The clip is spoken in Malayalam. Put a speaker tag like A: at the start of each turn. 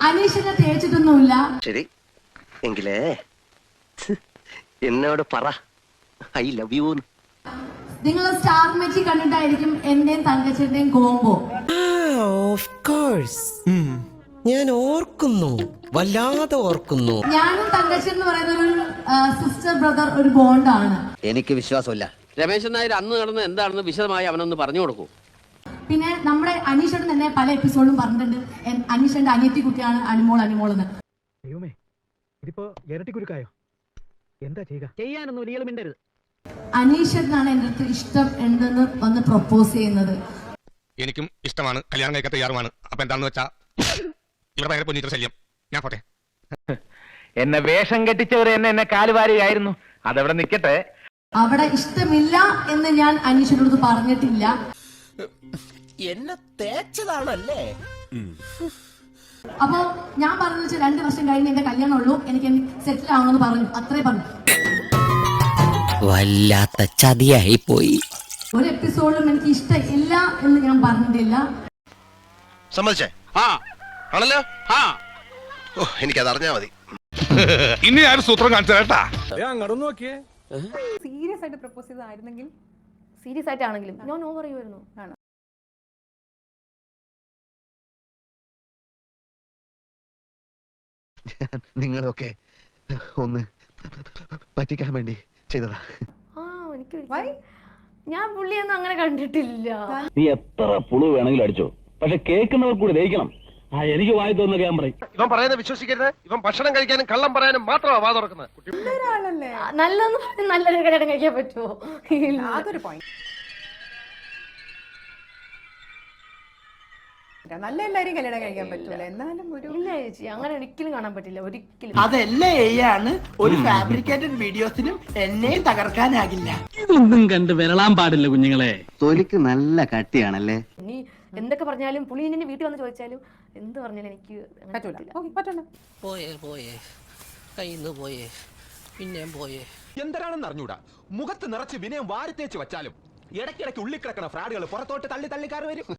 A: അനീഷിനെ തേച്ചിട്ടൊന്നുമില്ല.
B: ശരി എങ്കിലേ എന്നോട് പറ ഐ ലവ് യു.
A: നിങ്ങൾ സ്റ്റാർ മെച്ചി കണ്ടിട്ടായിരിക്കും എന്റെയും തങ്കച്ചന്റെയും കോംബോ.
C: ഞാൻ ഓർക്കുന്നു, വല്ലാതെ ഓർക്കുന്നു.
A: ഞാനും തങ്കച്ചൻ എന്ന് പറയുന്ന ഒരു സിസ്റ്റർ ബ്രദർ ഒരു ബോണ്ടാണ്.
B: എനിക്ക് വിശ്വാസമില്ല.
D: രമേശൻ നായർ അന്ന് നടന്ന് എന്താണെന്ന് വിശദമായി അവനൊന്ന് പറഞ്ഞു കൊടുക്കൂ.
A: പിന്നെ നമ്മുടെ അനീഷേട്ടൻ തന്നെ പല എപ്പിസോഡും പറഞ്ഞിട്ടുണ്ട് അനീഷന്റെ അനിയത്തി കുട്ടിയാണ് അനിമോൾ എന്ന്.
E: ഇതിപ്പോ ഇരട്ടിക്കുരുക്കായോ? എന്താ ചെയ്യുക? ചെയ്യാനൊന്നും ഇയാൾ മിണ്ടരുത്.
A: അനീഷേട്ടനാണ് എന്റെ അടുത്ത് ഇഷ്ടം എന്തെന്ന് വന്ന് പ്രൊപ്പോസ് ചെയ്യുന്നത്.
F: എനിക്കും ഇഷ്ടമാണ്, കല്യാണം കഴിക്കാൻ തയ്യാറുമാണ്. അപ്പൊ എന്താണെന്ന് വെച്ചാ ഇവിടെ ഭയങ്കര പൊന്നിത്ര ശല്യം. ഞാൻ പോട്ടെ.
E: എന്നെ വേഷം കെട്ടിച്ചവർ എന്നെ കാലുവാരിയായിരുന്നു. അതവിടെ നിക്കട്ടെ.
A: അവിടെ ഇഷ്ടമില്ല എന്ന് ഞാൻ അനീഷിനോട് പറഞ്ഞിട്ടില്ല.
C: എന്നെ തേച്ചതാണല്ലേ?
A: അപ്പോ ഞാൻ പറഞ്ഞു 2 വർഷം കഴിഞ്ഞ് എന്റെ കല്യാണം ഉള്ളൂ, എനിക്ക് സെറ്റിൽ ആവണമെന്ന് പറഞ്ഞു. അത്രേ പറഞ്ഞു.
C: വല്ലാത്ത ചതിയായി പോയി.
A: ഒരു എപ്പിസോഡിലും എനിക്ക് ഇഷ്ടമില്ല എന്ന് ഞാൻ പറഞ്ഞിട്ടില്ല.
B: സമ്മതിച്ചേ? ആണല്ലോ. എനിക്കത് അറിഞ്ഞാ മതി.
F: ഇനി ആരും സൂത്രം കാണിച്ചു കേട്ടാ.
G: സീരിയസ് ആയിട്ട് പ്രപ്പോസ് ചെയ്തായിരുന്നെങ്കിൽ
H: സീരിയസ് ആയിട്ടാണെങ്കിലും ഞാൻ നോ പറയുമായിരുന്നു.
B: നിങ്ങളൊക്കെ ഒന്ന് പറ്റിക്കാൻ വേണ്ടി ചെയ്തതാ.
H: എനിക്ക് ഞാൻ പുള്ളിയൊന്നും അങ്ങനെ കണ്ടിട്ടില്ല.
I: നീ എത്ര പുളു വേണമെങ്കിലും അടിച്ചോ, പക്ഷെ കേൾക്കുന്നവർ കൂടി ദഹിക്കണം. എനിക്ക് വായി തോന്നുന്ന ഞാൻ പറയും.
B: ഇവൻ പറയുന്നത് വിശ്വസിക്കരുത്. ഇവൻ ഭക്ഷണം കഴിക്കാനും കള്ളം പറയാനും മാത്രമാ വാ തുറക്കുന്നത്.
H: നല്ലതെന്ന് പറഞ്ഞ് നല്ലൊരു കല്യാണം കഴിക്കാൻ പറ്റുമോ?
G: അതൊരു പോയിന്റ്. നല്ല എല്ലാരും കല്യാണം കഴിക്കാൻ പറ്റൂല, എന്നാലും
H: ഇല്ല ചേച്ചി, അങ്ങനെ ഒരിക്കലും കാണാൻ പറ്റില്ല. ഒരിക്കലും
C: അതെല്ലാം ഒരു ഫാബ്രിക്കേറ്റഡ് വീഡിയോസിനും എന്നെയും തകർക്കാനാകില്ല.
E: ഇതൊന്നും കണ്ട് വിരളാൻ പാടില്ല കുഞ്ഞുങ്ങളെ.
B: തൊലിക്ക് നല്ല കട്ടിയാണല്ലേ.
H: ഇനി എന്തൊക്കെ പറഞ്ഞാലും പുള്ളി എന്നെ വീട്ടിൽ വന്ന് ചോദിച്ചാലും എന്ത് പറഞ്ഞാലും എനിക്ക്
G: പറ്റൂല.
C: പോയേ കയ്യിന്ന് പോയേ, പിന്നെയും പോയേ.
J: എന്തരാണെന്ന് അറിഞ്ഞൂടാ, മുഖത്ത് നിറച്ച് വിനയം വാരിത്തേച്ച് വെച്ചാലും ഇടയ്ക്കിടയ്ക്ക് ഉള്ളിക്കിടക്കണ ഫ്രാഡുകൾ പുറത്തോട്ട് തള്ളിക്കാർ വരും.